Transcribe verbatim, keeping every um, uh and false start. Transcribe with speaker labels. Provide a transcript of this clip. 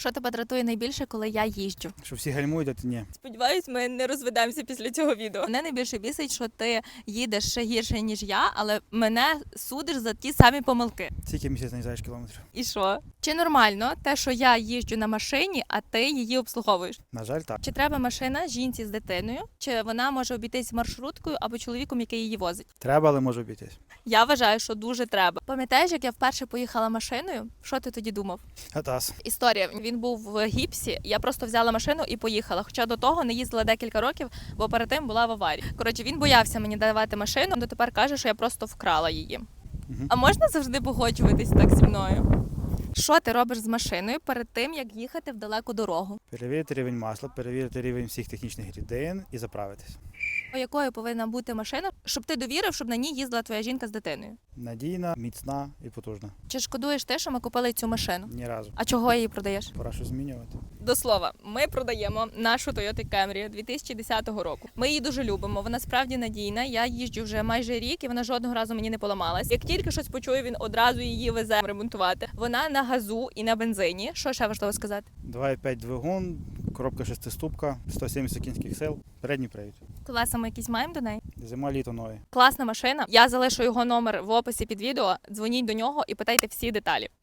Speaker 1: Що тебе дратує найбільше, коли я їжджу?
Speaker 2: Що всі гальмують, а ти ні.
Speaker 1: Сподіваюсь, ми не розведемося після цього відео. Мене найбільше бісить, що ти їдеш ще гірше, ніж я, але мене судиш за ті самі помилки.
Speaker 2: Скільки місяць наїжджаєш кілометрів?
Speaker 1: І що? Чи нормально те, що я їжджу на машині, а ти її обслуговуєш?
Speaker 2: На жаль, так.
Speaker 1: Чи треба машина жінці з дитиною? Чи вона може обійтись маршруткою або чоловіком, який її возить?
Speaker 2: Треба, але може обійтись.
Speaker 1: Я вважаю, що дуже треба. Пам'ятаєш, як я вперше поїхала машиною? Що ти тоді думав?
Speaker 2: Гатас.
Speaker 1: Історія. Він був в гіпсі. Я просто взяла машину і поїхала. Хоча до того не їздила декілька років, бо перед тим була в аварії. Коротше, він боявся мені давати машину, дотепер каже, що я просто вкрала її.
Speaker 2: Угу.
Speaker 1: А можна завжди погоджуватись так зі мною? Що ти робиш з машиною перед тим, як їхати в далеку дорогу?
Speaker 2: Перевірити рівень масла, перевірити рівень всіх технічних рідин і заправитись.
Speaker 1: Якою повинна бути машина, щоб ти довірив, щоб на ній їздила твоя жінка з дитиною?
Speaker 2: Надійна, міцна і потужна.
Speaker 1: Чи шкодуєш ти, що ми купили цю машину?
Speaker 2: Ні разу.
Speaker 1: А чого її продаєш?
Speaker 2: Пора щось змінювати.
Speaker 1: До слова, ми продаємо нашу Toyota Camry дві тисячі десятого року. Ми її дуже любимо, вона справді надійна. Я їжджу вже майже рік і вона жодного разу мені не поламалась. Як тільки щось почую, він одразу її везе ремонтувати. Вона на газу і на бензині. Що ще важливо сказати?
Speaker 2: два і п'ять двигун, коробка шестиступка, сто сімдесят кінських сил, передній привід.
Speaker 1: Колеса ми якісь маємо до неї?
Speaker 2: Зима, літо, нові.
Speaker 1: Класна машина. Я залишу його номер в описі під відео. Дзвоніть до нього і питайте всі деталі.